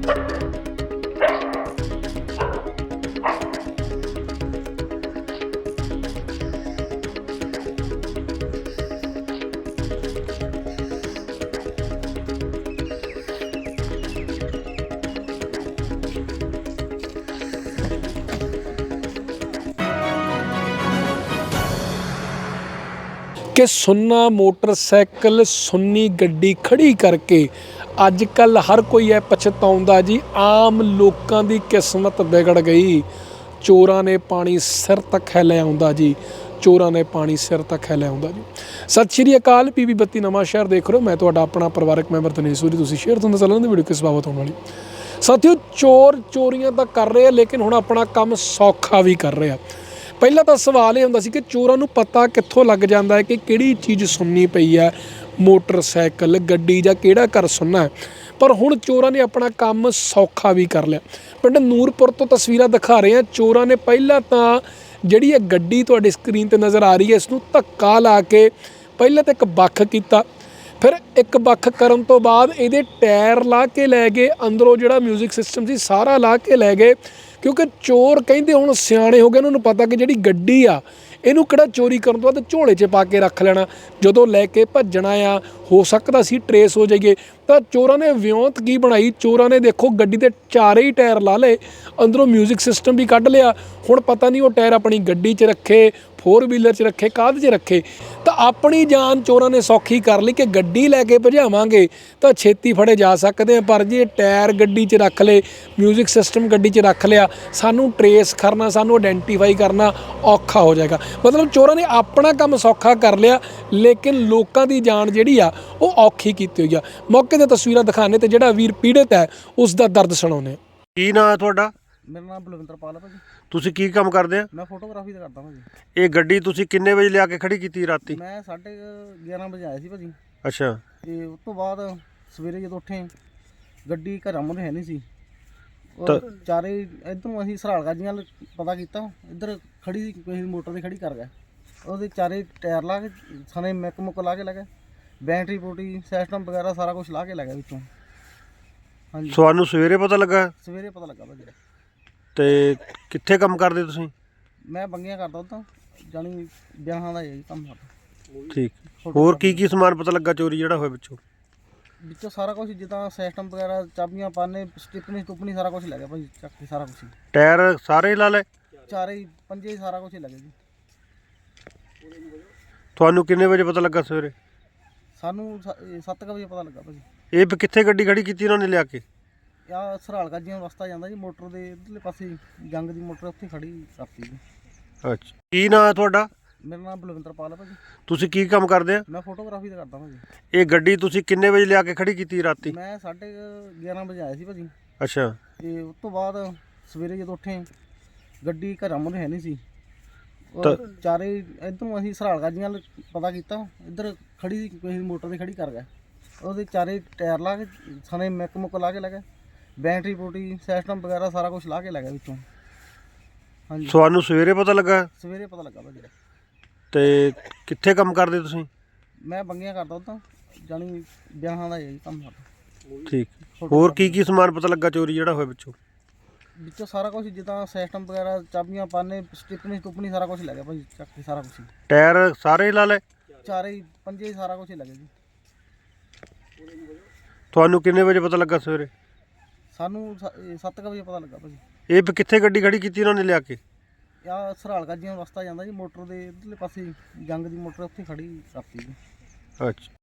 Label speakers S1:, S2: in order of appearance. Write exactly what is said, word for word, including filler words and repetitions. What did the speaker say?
S1: कि सुन्ना मोटरसाइकिल सुन्नी गड्डी खड़ी करके अजकल हर कोई है पछताउंदा जी। आम लोगों की किस्मत बिगड़ गई। चोरां ने पानी सिर तक है लै आउंदा जी, चोरां ने पानी सिर तक है लै आउंदा जी। सत श्री अकाल, पी बी बत्ती नवां शहर देख रहे हो। मैं तुहाडा अपना परिवारक मैंबर दिनेश सूरी। तुसीं शेयर तुहाडा चलण दी वीडियो किस बाबत होने वाली। साथियों, चोर चोरियां तां कर रहे हैं लेकिन हुण अपना काम सौखा भी कर रहे हैं। ਪਹਿਲਾਂ ਤਾਂ ਸਵਾਲ ਇਹ ਹੁੰਦਾ ਸੀ ਕਿ ਚੋਰਾਂ ਨੂੰ ਪਤਾ ਕਿੱਥੋਂ ਲੱਗ ਜਾਂਦਾ ਹੈ ਕਿ ਕਿਹੜੀ ਚੀਜ਼ ਸੁੰਨੀ ਪਈ ਹੈ, ਮੋਟਰਸਾਈਕਲ, ਗੱਡੀ ਜਾਂ ਕਿਹੜਾ ਘਰ ਸੁੰਨਾ ਹੈ। ਪਰ ਹੁਣ ਚੋਰਾਂ ਨੇ ਆਪਣਾ ਕੰਮ ਸੌਖਾ ਵੀ ਕਰ ਲਿਆ। ਪਿੰਡ ਨੂਰਪੁਰ ਤੋਂ ਤਸਵੀਰਾਂ ਦਿਖਾ ਰਹੇ ਹਾਂ। ਚੋਰਾਂ ਨੇ ਪਹਿਲਾਂ ਤਾਂ ਜਿਹੜੀ ਇਹ ਗੱਡੀ ਤੁਹਾਡੀ ਸਕਰੀਨ 'ਤੇ ਨਜ਼ਰ ਆ ਰਹੀ ਹੈ, ਇਸ ਨੂੰ ਧੱਕਾ ਲਾ ਕੇ ਪਹਿਲਾਂ ਤਾਂ ਇੱਕ ਵੱਖ ਕੀਤਾ, ਫਿਰ ਇੱਕ ਵੱਖ ਕਰਨ ਤੋਂ ਬਾਅਦ ਇਹਦੇ ਟਾਇਰ ਲਾ ਕੇ ਲੈ ਗਏ, ਅੰਦਰੋਂ ਜਿਹੜਾ ਮਿਊਜ਼ਿਕ ਸਿਸਟਮ ਸੀ ਸਾਰਾ ਲਾ ਕੇ ਲੈ ਗਏ। ਕਿਉਂਕਿ ਚੋਰ ਕਹਿੰਦੇ ਹੁਣ ਸਿਆਣੇ ਹੋ ਗਏ, ਉਹਨਾਂ ਨੂੰ ਪਤਾ ਕਿ ਜਿਹੜੀ ਗੱਡੀ ਆ ਇਹਨੂੰ ਕਿਹੜਾ ਚੋਰੀ ਕਰਨ ਤੋਂ ਬਾਅਦ ਝੋਲੇ 'ਚ ਪਾ ਕੇ ਰੱਖ ਲੈਣਾ, ਜਦੋਂ ਲੈ ਕੇ ਭੱਜਣਾ ਆ ਹੋ ਸਕਦਾ ਸੀ ਟਰੇਸ ਹੋ ਜਾਈਏ। ਤਾਂ ਚੋਰਾਂ ਨੇ ਵਿਉਂਤ ਕੀ ਬਣਾਈ, ਚੋਰਾਂ ਨੇ ਦੇਖੋ ਗੱਡੀ ਦੇ ਚਾਰੇ ਹੀ ਟਾਇਰ ਲਾ ਲਏ, ਅੰਦਰੋਂ ਮਿਊਜ਼ਿਕ ਸਿਸਟਮ ਵੀ ਕੱਢ ਲਿਆ। ਹੁਣ ਪਤਾ ਨਹੀਂ ਉਹ ਟਾਇਰ ਆਪਣੀ ਗੱਡੀ 'ਚ ਰੱਖੇ, फोर व्हीलर च रखे, काहदे च रखे। तो अपनी जान चोरों ने सौखी कर ली कि गड्डी लैके भजावांगे तो छेती फड़े जा सकते हैं, पर जे टायर गड्डी च रख ले, म्यूजिक सिस्टम गड्डी च रख लिया, सानू ट्रेस करना, सानू आइडेंटिफाई करना औखा हो जाएगा। मतलब चोरों ने अपना काम सौखा कर लिया लेकिन लोगों की जान जिहड़ी आ वो औखी कीती हुई आ। मौके ते तस्वीरां दिखाने ते जिहड़ा वीर पीड़ित है उसका दर्द सुणाउने।
S2: की नाम है तुहाडा?
S3: मेरा नाम बलविंदरपाल है भाजी।
S2: ਤੁਸੀਂ ਕੀ ਕੰਮ ਕਰਦੇ ਆ?
S3: मैं फोटोग्राफी ਦਾ ਕਰਦਾ ਭਾਜੀ।
S2: ਇਹ ਗੱਡੀ ਤੁਸੀਂ ਕਿੰਨੇ ਵਜੇ ਲਿਆ ਕੇ ਖੜੀ ਕੀਤੀ ਰਾਤੀ?
S3: ਮੈਂ ਸਾਢੇ ਗਿਆਰਾਂ ਵਜੇ ਆਇਆ ਸੀ ਭਾਜੀ।
S2: ਅੱਛਾ।
S3: ਤੇ ਉਸ ਤੋਂ ਬਾਅਦ ਸਵੇਰੇ ਜਦੋਂ ਉੱਠੇ ਗੱਡੀ ਘਰਾਂ ਮੁਰੇ ਹੈ ਨਹੀਂ ਸੀ।
S2: ਤਾਂ-
S3: ਉਹ ਚਾਰੇ ਇਧਰੋਂ ਅਸੀਂ ਸਰਾਲ ਗਾਜੀਆਂ ਵੱਲ ਪਤਾ ਕੀਤਾ, ਇੱਧਰ ਖੜੀ ਸੀ ਕੋਈ ਮੋਟਰ ਤੇ ਖੜੀ ਕਰ ਗਿਆ। ਉਹਦੇ ਚਾਰੇ ਟਾਇਰ ਲਾ ਕੇ ਸਣੇ ਮੈਕ ਮੁੱਕ ਲਾ ਕੇ ਲੈ ਗਏ, ਬੈਟਰੀ ਬੂਟੀ ਸਿਸਟਮ ਵਗੈਰਾ ਸਾਰਾ ਕੁਝ ਲਾ ਕੇ ਲੈ ਗਿਆ ਵਿੱਚੋਂ। ਹਾਂਜੀ,
S2: ਤੁਹਾਨੂੰ ਸਵੇਰੇ ਪਤਾ ਲੱਗਾ?
S3: ਸਵੇਰੇ ਪਤਾ ਲੱਗਾ ਭਾਜੀ।
S2: ਤੇ ਕਿੱਥੇ ਕੰਮ ਕਰਦੇ ਤੁਸੀਂ?
S3: ਮੈਂ ਬੰਗੀਆਂ ਕਰਦਾ ਉਦਾਂ, ਜਾਣੀ ਵਿਆਹਾਂ ਦਾ ਹੀ ਕੰਮ ਕਰਦਾ।
S2: ਠੀਕ। ਹੋਰ ਕੀ ਕੀ ਸਮਾਨ ਪਤਾ ਲੱਗਾ ਚੋਰੀ ਜਿਹੜਾ ਹੋਇਆ ਵਿੱਚੋਂ?
S3: ਵਿੱਚੋਂ ਸਾਰਾ ਕੁਝ ਜਿੱਦਾਂ ਸਿਸਟਮ ਵਗੈਰਾ, ਚਾਬੀਆਂ, ਪਾਨੇ, ਸਟਿਪਨੀ ਸਟੁਪਨੀ ਸਾਰਾ ਕੁਝ ਲੈ ਗਿਆ ਭਾਜੀ, ਚੱਕ ਕੇ ਸਾਰਾ ਕੁਝ।
S2: ਟਾਇਰ ਸਾਰੇ ਹੀ ਲਾ ਲਏ?
S3: ਚਾਰੇ ਹੀ ਪੰਜੇ ਹੀ ਸਾਰਾ ਕੁਝ ਹੀ ਲੱਗੇ ਜੀ।
S2: ਤੁਹਾਨੂੰ ਕਿੰਨੇ ਵਜੇ ਪਤਾ ਲੱਗਾ ਸਵੇਰੇ?
S3: ਸਾਨੂੰ ਸੱਤ ਕੁ ਵਜੇ ਪਤਾ ਲੱਗਾ ਭਾਜੀ।
S2: ਇਹ ਵੀ ਕਿੱਥੇ ਗੱਡੀ ਖੜੀ ਕੀਤੀ ਉਹਨਾਂ ਨੇ ਲਿਆ ਕੇ?
S3: ਆ ਸਰਾਲ ਗਾਜੀਆਂ ਰਸਤਾ ਜਾਂਦਾ ਜੀ, ਮੋਟਰ ਦੇ ਇਧਰਲੇ ਪਾਸੇ ਜੰਗ ਦੀ ਮੋਟਰ ਉੱਥੇ ਖੜੀ ਕਰਤੀ ਜੀ।
S2: ਅੱਛਾ। ਕੀ ਨਾਮ ਹੈ ਤੁਹਾਡਾ?
S3: ਮੇਰਾ ਨਾਮ ਬਲਵਿੰਦਰਪਾਲ ਹੈ ਭਾਜੀ।
S2: ਤੁਸੀਂ ਕੀ ਕੰਮ ਕਰਦੇ ਆ?
S3: ਮੈਂ ਫੋਟੋਗ੍ਰਾਫੀ ਦਾ ਕਰਦਾ ਭਾਜੀ।
S2: ਇਹ ਗੱਡੀ ਤੁਸੀਂ ਕਿੰਨੇ ਵਜੇ ਲਿਆ ਕੇ ਖੜੀ ਕੀਤੀ ਰਾਤੀ?
S3: ਮੈਂ ਸਾਢੇ ਗਿਆਰਾਂ ਵਜੇ ਆਇਆ ਸੀ ਭਾਜੀ।
S2: ਅੱਛਾ।
S3: ਤੇ ਉਸ ਤੋਂ ਬਾਅਦ ਸਵੇਰੇ ਜਦੋਂ ਉੱਠੇ ਗੱਡੀ ਘਰਾਂ ਮੁਰੇ ਹੈ ਨਹੀਂ ਸੀ।
S2: ਤਾਂ-
S3: ਉਹ ਚਾਰੇ ਇਧਰੋਂ ਅਸੀਂ ਸਰਾਲ ਗਾਜੀਆਂ ਵੱਲ ਪਤਾ ਕੀਤਾ, ਇੱਧਰ ਖੜੀ ਸੀ ਕੋਈ ਮੋਟਰ ਤੇ ਖੜੀ ਕਰ ਗਿਆ। ਉਹਦੇ ਚਾਰੇ ਟਾਇਰ ਲਾ ਕੇ ਸਣੇ ਮੈਕ ਮੁੱਕ ਲਾ ਕੇ ਲੈ ਗਏ, ਬੈਟਰੀ ਬੂਟੀ ਸਿਸਟਮ ਵਗੈਰਾ ਸਾਰਾ ਕੁਝ ਲਾ ਕੇ ਲੈ ਗਿਆ ਵਿੱਚੋਂ। ਹਾਂਜੀ,
S2: ਤੁਹਾਨੂੰ ਸਵੇਰੇ ਪਤਾ ਲੱਗਾ?
S3: ਸਵੇਰੇ ਪਤਾ ਲੱਗਾ ਭਾਜੀ।
S2: ਤੇ ਕਿੱਥੇ ਕੰਮ ਕਰਦੇ ਤੁਸੀਂ?
S3: ਮੈਂ ਬੰਗੀਆਂ ਕਰਦਾ ਉਦਾਂ, ਜਾਣੀ ਵਿਆਹਾਂ ਦਾ ਹੀ ਕੰਮ ਕਰਦਾ।
S2: ਠੀਕ। ਹੋਰ ਕੀ ਕੀ ਸਮਾਨ ਪਤਾ ਲੱਗਾ ਚੋਰੀ ਜਿਹੜਾ ਹੋਇਆ ਵਿੱਚੋਂ?
S3: ਵਿੱਚੋਂ ਸਾਰਾ ਕੁਝ ਜਿੱਦਾਂ ਸਿਸਟਮ ਵਗੈਰਾ, ਚਾਬੀਆਂ, ਪਾਨੇ, ਸਟਿਪਨੀ ਸਟੁਪਨੀ ਸਾਰਾ ਕੁਝ ਲੈ ਗਿਆ ਭਾਜੀ, ਚੱਕ ਕੇ ਸਾਰਾ ਕੁਝ।
S2: ਟਾਇਰ ਸਾਰੇ ਹੀ ਲਾ ਲਏ?
S3: ਚਾਰੇ ਹੀ ਪੰਜੇ ਹੀ ਸਾਰਾ ਕੁਝ ਹੀ ਲੱਗੇ ਜੀ।
S2: ਤੁਹਾਨੂੰ ਕਿੰਨੇ ਵਜੇ ਪਤਾ ਲੱਗਾ ਸਵੇਰੇ?
S3: ਸਾਨੂੰ ਸੱਤ ਕੁ ਵਜੇ ਪਤਾ ਲੱਗਾ ਭਾਜੀ।
S2: ਇਹ ਵੀ ਕਿੱਥੇ ਗੱਡੀ ਖੜੀ ਕੀਤੀ ਉਹਨਾਂ ਨੇ ਲਿਆ ਕੇ?
S3: ਆ ਸਰਾਲ ਗਾਜੀਆਂ ਰਸਤਾ ਜਾਂਦਾ ਜੀ, ਮੋਟਰ ਦੇ ਇਧਰਲੇ ਪਾਸੇ ਜੰਗ ਦੀ ਮੋਟਰ ਉੱਥੇ ਖੜੀ ਕਰਤੀ ਜੀ।
S2: ਅੱਛਾ।